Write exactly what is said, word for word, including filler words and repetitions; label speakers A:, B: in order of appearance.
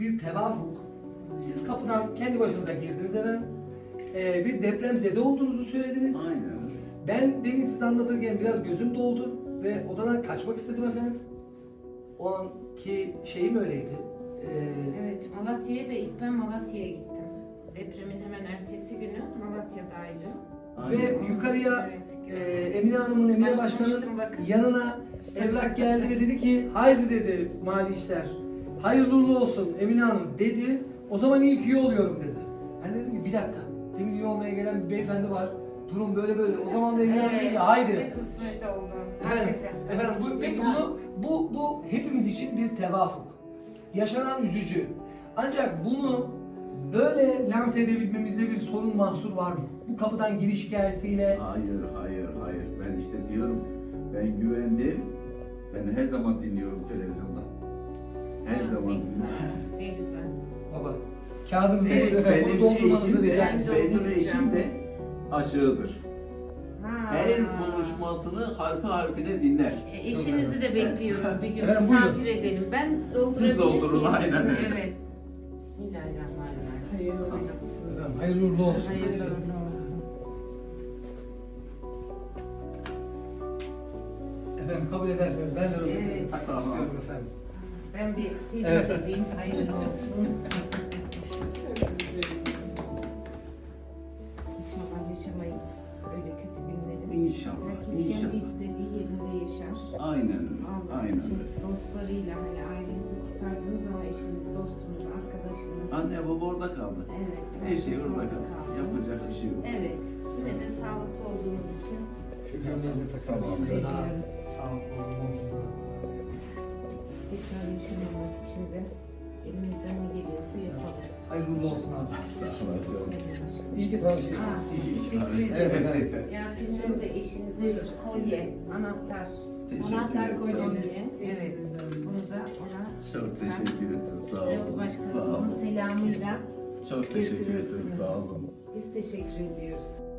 A: Bir tevafuk. Siz kapıdan kendi başınıza girdiniz efendim. Ee, bir depremzede olduğunuzu söylediniz.
B: Aynen.
A: Ben demin size anlatırken biraz gözüm doldu ve odadan kaçmak istedim efendim. O anki şeyim öyleydi. Ee,
C: Evet, Malatya'ya da ilk ben Malatya'ya gittim. Depremin hemen ertesi günü Malatya'daydım.
A: ve yukarıya
C: Evet,
A: e, Emine Hanım'ın, Emine
C: Başlamıştım
A: Başkan'ın
C: bakın.
A: yanına evrak geldi ve dedi ki haydi dedi mali işler. Hayırlı uğurlu olsun Emine Hanım dedi. O zaman iyi ki üye oluyorum dedi. Ben dedim ki bir dakika. Demin üye olmaya gelen bir beyefendi var. Durum böyle böyle. O zaman da Emine Hanım dedi ki haydi.
C: size kısmet oldu.
A: Efendim,
C: Hakikaten.
A: efendim bu, peki bunu bu bu hepimiz için bir tevafuk. Yaşanan üzücü. Ancak bunu böyle lanse edebilmemizde bir sorun mahsur var mı? Bu kapıdan giriş hikayesiyle
B: Hayır, hayır, hayır. Ben işte diyorum, ben güvendim. Ben her zaman dinliyorum televizyonda. Her
C: Ne
B: zaman
C: güzel,
B: dinliyorum.
C: ne güzel.
A: baba kağıdınızı
B: Ve
A: buyurun efendim. Bunu
B: benim
A: doldurmanızı
B: eşim
A: rica
B: de,
A: ederim.
C: ederim.
B: benim eşim de aşığıdır.
C: Ha.
B: Her konuşmasını harfi harfine dinler.
C: E, Eşinizi de bekliyoruz bir gün
A: Evet,
C: misafir
A: buyurun.
C: edelim. Ben doldurabilir
B: Siz doldurun,
C: miyim?
B: aynen öyle.
C: Evet. Bismillahirrahmanirrahim.
A: Hayırlı olsun. Efendim, hayırlı uğurlu olsun.
C: Hayırlı uğurlu olsun.
A: Efendim kabul ederseniz ben de röportajınızı
C: Evet.
A: takmak
B: Tamam.
A: istiyorum efendim.
C: Ben bir tebrik
A: Evet.
C: edeyim. Hayırlı olsun. İnşallah yaşamayız öyle kötü günleri.
B: İnşallah,
C: Herkes kendi
B: inşallah.
C: istediği yerinde yaşar.
B: Aynen öyle,
C: Allah
B: aynen
C: bütün
B: öyle.
C: dostlarıyla hani ailenizi kurtardınız ama eşiniz, dostunuz, arkadaşınız.
B: Anne baba orada kaldı.
C: Evet.
B: Her şey
C: herkes
B: orada kaldı. Yapacak bir şey yok.
C: Evet. Yine de sağlıklı olduğunuz için
A: Şu gömleğinizi takalım.
B: Tamam.
A: Daha sağlıklı olun montunuza.
C: tekrar yaşamamak için de elimizden ne geliyorsa yapalım.
A: Hayırlı uğurlu olsun abi.
B: Sağ olasın.
A: İyi ki tanıştık.
C: Aa,
B: İyi,
C: teşekkür
B: iyi.
C: ederim.
A: Evet, evet.
B: Gerçekten.
C: Yasemin'in de eşinize bir kolye, anahtar.
B: Teşekkür
C: Anahtar
B: ederim.
C: kolye. Evet. Bunu da ona
B: Çok teşekkür ederim. Sağ olun.
C: Yavuz
B: Sağ
C: Başkanımızın
B: olun.
C: selamıyla
B: Çok teşekkür ederim.
C: getirirsiniz.
B: Sağ olun.
C: biz teşekkür ediyoruz.